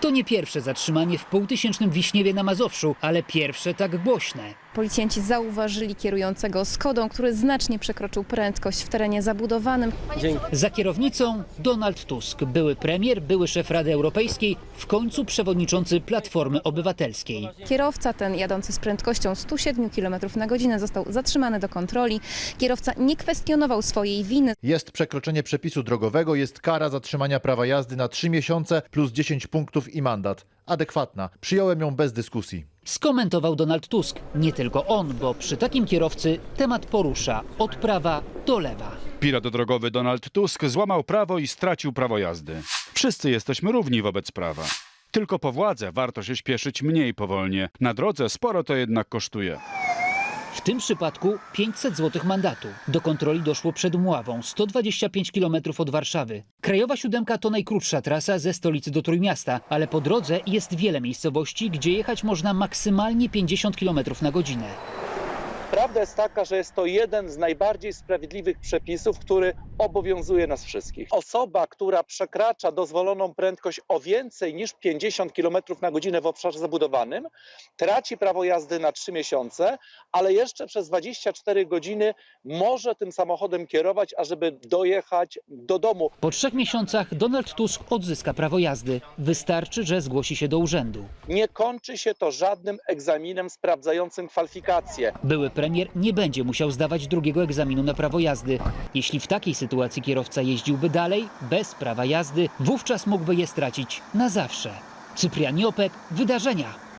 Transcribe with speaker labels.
Speaker 1: To nie pierwsze zatrzymanie w półtysięcznym Wiśniewie na Mazowszu, ale pierwsze tak głośne.
Speaker 2: Policjanci zauważyli kierującego Skodą, który znacznie przekroczył prędkość w terenie zabudowanym.
Speaker 1: Za kierownicą Donald Tusk, były premier, były szef Rady Europejskiej, w końcu przewodniczący Platformy Obywatelskiej.
Speaker 2: Kierowca ten jadący z prędkością 107 km na godzinę został zatrzymany do kontroli. Kierowca nie kwestionował swojej winy.
Speaker 3: Jest przekroczenie przepisu drogowego, jest kara zatrzymania prawa jazdy na 3 miesiące plus 10 punktów i mandat. Adekwatna. Przyjąłem ją bez dyskusji.
Speaker 1: Skomentował Donald Tusk. Nie tylko on, bo przy takim kierowcy temat porusza od prawa do lewa.
Speaker 4: Pirat drogowy Donald Tusk złamał prawo i stracił prawo jazdy. Wszyscy jesteśmy równi wobec prawa. Tylko po władzę warto się śpieszyć mniej powolnie. Na drodze sporo to jednak kosztuje.
Speaker 1: W tym przypadku 500 zł mandatu. Do kontroli doszło przed Mławą, 125 km od Warszawy. Krajowa Siódemka to najkrótsza trasa ze stolicy do Trójmiasta, ale po drodze jest wiele miejscowości, gdzie jechać można maksymalnie 50 km na godzinę.
Speaker 5: Prawda jest taka, że jest to jeden z najbardziej sprawiedliwych przepisów, który obowiązuje nas wszystkich. Osoba, która przekracza dozwoloną prędkość o więcej niż 50 km na godzinę w obszarze zabudowanym, traci prawo jazdy na 3 miesiące, ale jeszcze przez 24 godziny może tym samochodem kierować, ażeby dojechać do domu.
Speaker 1: Po 3 miesiącach Donald Tusk odzyska prawo jazdy. Wystarczy, że zgłosi się do urzędu.
Speaker 5: Nie kończy się to żadnym egzaminem sprawdzającym kwalifikacje.
Speaker 1: Były premier nie będzie musiał zdawać drugiego egzaminu na prawo jazdy. Jeśli w takiej sytuacji kierowca jeździłby dalej, bez prawa jazdy, wówczas mógłby je stracić na zawsze. Cyprian Jopek, Wydarzenia.